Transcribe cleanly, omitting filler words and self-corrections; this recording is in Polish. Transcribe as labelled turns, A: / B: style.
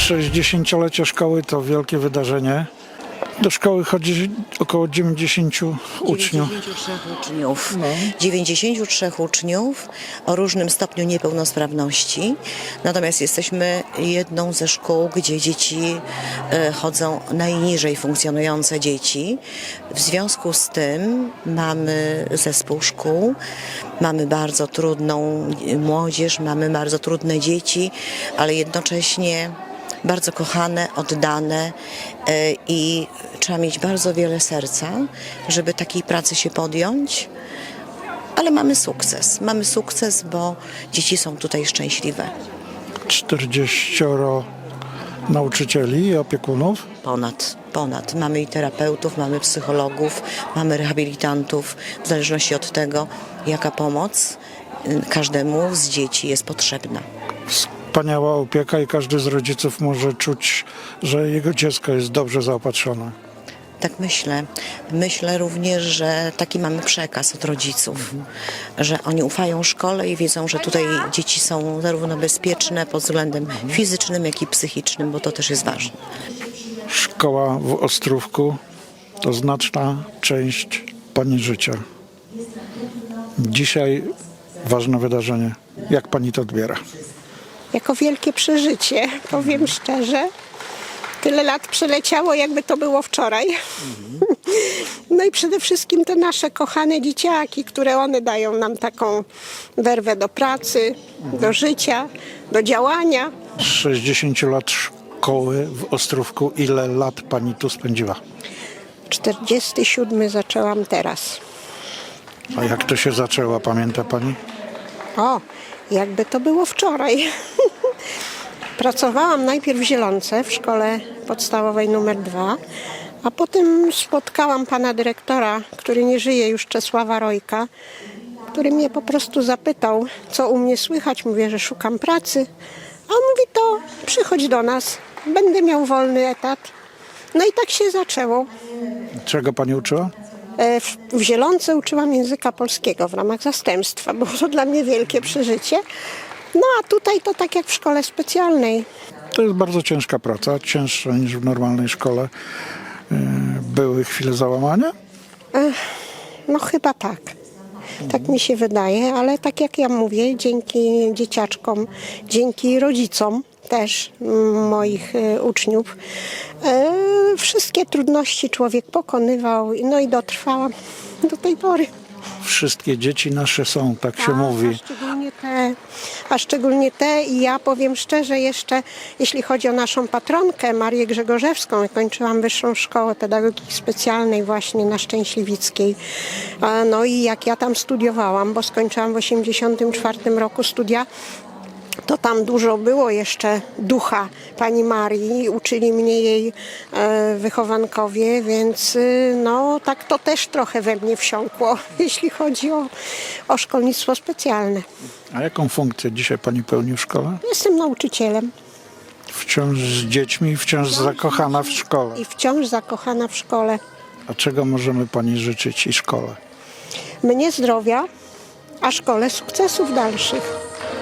A: 60-lecie szkoły to wielkie wydarzenie. Do szkoły chodzi około 90 uczniów.
B: 93 uczniów o różnym stopniu niepełnosprawności. Natomiast jesteśmy jedną ze szkół, gdzie dzieci chodzą najniżej funkcjonujące dzieci. W związku z tym mamy zespół szkół, mamy bardzo trudną młodzież, mamy bardzo trudne dzieci, ale jednocześnie bardzo kochane, oddane i trzeba mieć bardzo wiele serca, żeby takiej pracy się podjąć. Ale mamy sukces. Mamy sukces, bo dzieci są tutaj szczęśliwe.
A: 40 nauczycieli i opiekunów.
B: Ponad. Mamy i terapeutów, mamy psychologów, mamy rehabilitantów, w zależności od tego, jaka pomoc każdemu z dzieci jest potrzebna.
A: Wspaniała opieka i każdy z rodziców może czuć, że jego dziecko jest dobrze zaopatrzone.
B: Tak myślę. Myślę również, że taki mamy przekaz od rodziców, że oni ufają szkole i wiedzą, że tutaj dzieci są zarówno bezpieczne pod względem fizycznym, jak i psychicznym, bo to też jest ważne.
A: Szkoła w Ostrówku to znaczna część pani życia. Dzisiaj ważne wydarzenie. Jak pani to odbiera?
C: Jako wielkie przeżycie, powiem szczerze. Tyle lat przeleciało, jakby to było wczoraj. No i przede wszystkim te nasze kochane dzieciaki, które one dają nam taką werwę do pracy, do życia, do działania.
A: 60 lat szkoły w Ostrówku. Ile lat pani tu spędziła?
C: 47 zaczęłam teraz.
A: A jak to się zaczęło, pamięta pani?
C: O, jakby to było wczoraj. Pracowałam najpierw w Zielonce, w szkole podstawowej numer 2, a potem spotkałam pana dyrektora, który nie żyje już, Czesława Rojka, który mnie po prostu zapytał, co u mnie słychać. Mówię, że szukam pracy. A on mówi, to przychodź do nas, będę miał wolny etat. No i tak się zaczęło.
A: Czego pani uczyła?
C: W Zielonce uczyłam języka polskiego w ramach zastępstwa. Było to dla mnie wielkie przeżycie. No a tutaj to tak jak w szkole specjalnej.
A: To jest bardzo ciężka praca, cięższa niż w normalnej szkole. Były chwile załamania?
C: No chyba tak. Tak mi się wydaje, ale tak jak ja mówię, dzięki dzieciaczkom, dzięki rodzicom też moich uczniów, wszystkie trudności człowiek pokonywał, no i dotrwałam do tej pory.
A: Wszystkie dzieci nasze są, tak się mówi.
C: A szczególnie te i ja powiem szczerze jeszcze, jeśli chodzi o naszą patronkę Marię Grzegorzewską, kończyłam Wyższą Szkołę Pedagogiki Specjalnej właśnie na Szczęśliwickiej. No i jak ja tam studiowałam, bo skończyłam w 1984 roku studia, to tam dużo było jeszcze ducha pani Marii, uczyli mnie jej wychowankowie, więc no tak to też trochę we mnie wsiąkło, jeśli chodzi o szkolnictwo specjalne.
A: A jaką funkcję dzisiaj pani pełni w szkole?
C: Jestem nauczycielem.
A: Wciąż z dziećmi, wciąż zakochana w szkole.
C: I wciąż zakochana w szkole.
A: A czego możemy pani życzyć i szkole?
C: Mnie zdrowia, a szkole sukcesów dalszych.